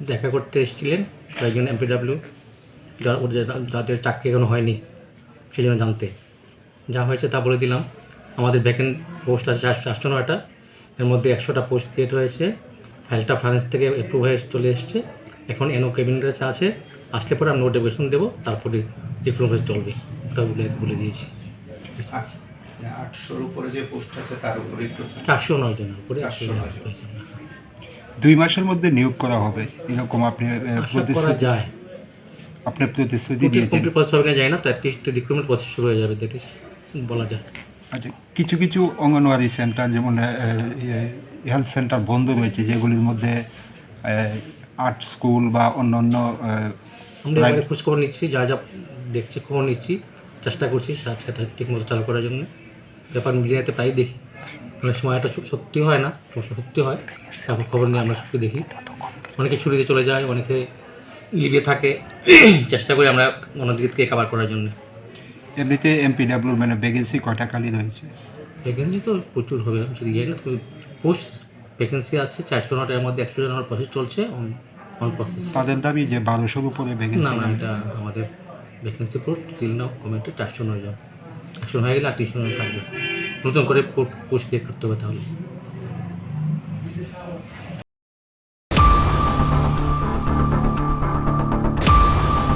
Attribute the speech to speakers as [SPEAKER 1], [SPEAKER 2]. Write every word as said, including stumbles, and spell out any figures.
[SPEAKER 1] দেখা করতে এসেছিলেন কয়েকজন এমপিডাব্লিউ, যারা ওদের যাদের চাকরি এখনো হয়নি সেই জন্য জানতে। যা হয়েছে তা বলে দিলাম। আমাদের ভ্যাকেন্ট পোস্ট আছে চারশো নয়টা, এর মধ্যে একশোটা পোস্ট ক্রিয়েট হয়েছে। ফাইলটা ফাইন্যান্স থেকে অ্যাপ্রুভ হয়ে চলে এসছে। এখন এনও ক্যাবিনেট কাছে আছে, আসলে পরে আমি নোটিফিকেশন দেবো, তারপরে রিক্রুটমেন্ট চলবে। ওটা বলে বলে দিয়েছি।
[SPEAKER 2] আটশোর উপরে যে পোস্ট আছে তার উপরে একটু
[SPEAKER 1] চারশো নয় জনের উপরে
[SPEAKER 2] চারশো নয় জন।
[SPEAKER 3] দুই মাসের মধ্যে নিয়োগ করা হবে এরকম আপনি আহ,
[SPEAKER 1] আশা করা
[SPEAKER 3] প্রতিশ্রুতি
[SPEAKER 1] যায়।
[SPEAKER 3] আপনি প্রতিশ্রুতি
[SPEAKER 1] কমপ্লিট
[SPEAKER 3] দিয়েছেন।
[SPEAKER 1] কমপ্লিট প্রসেস হবে না যায় না, তো অ্যাটলিস্ট রিক্রুটমেন্ট প্রসেস শুরু হয়ে যাবে, দ্যাট ইজ বলা যায়।
[SPEAKER 3] আচ্ছা, কিছু কিছু অঙ্গনওয়াড়ি সেন্টার যেমন হেলথ সেন্টার বন্ধ রয়েছে, যেগুলির মধ্যে আর্ট স্কুল বা অন্য অন্য
[SPEAKER 1] আমরা এবারে খোঁজখবর নিচ্ছি, যা যা দেখছি খবর নিচ্ছি, চেষ্টা করছি সেটা ঠিকমতো চালু করার জন্য। ব্যাপার মিডিয়াতে প্রায় দেখি, অনেক সময় এটা সত্যি হয় না, সত্যি হয়, তারপর খবর নিয়ে আমরা সত্যি দেখি। অনেকে ছুটিতে চলে যায়, অনেকে লিভে থাকে, চেষ্টা করি আমরা অন্যদিক থেকে কাভার করার জন্য।
[SPEAKER 3] এমনিতে এমপিডাব্লিউর মানে ভ্যাকেন্সি কয়টা খালি রয়েছে?
[SPEAKER 1] ভ্যাকেন্সি তো প্রচুর হবে, আমি সেদিকে যাই না। পোস্ট ভ্যাকেন্সি আছে চারশো নটার মধ্যে একশো জনের প্রসেস চলছে, অন অন প্রসেস।
[SPEAKER 3] তাদের দাবি যে বারোশোর উপরে
[SPEAKER 1] না
[SPEAKER 3] ভ্যাকেন্সি।
[SPEAKER 1] না, এটা আমাদের ভ্যাকেন্সি পুরো স্টিল নাও কমেন্টে চারশো নয় জন, একশো হয়ে গেলে আর তিনশো জন থাকবে। নতুন করে পোস্ট ক্রিয়েট করতে হবে তাহলে।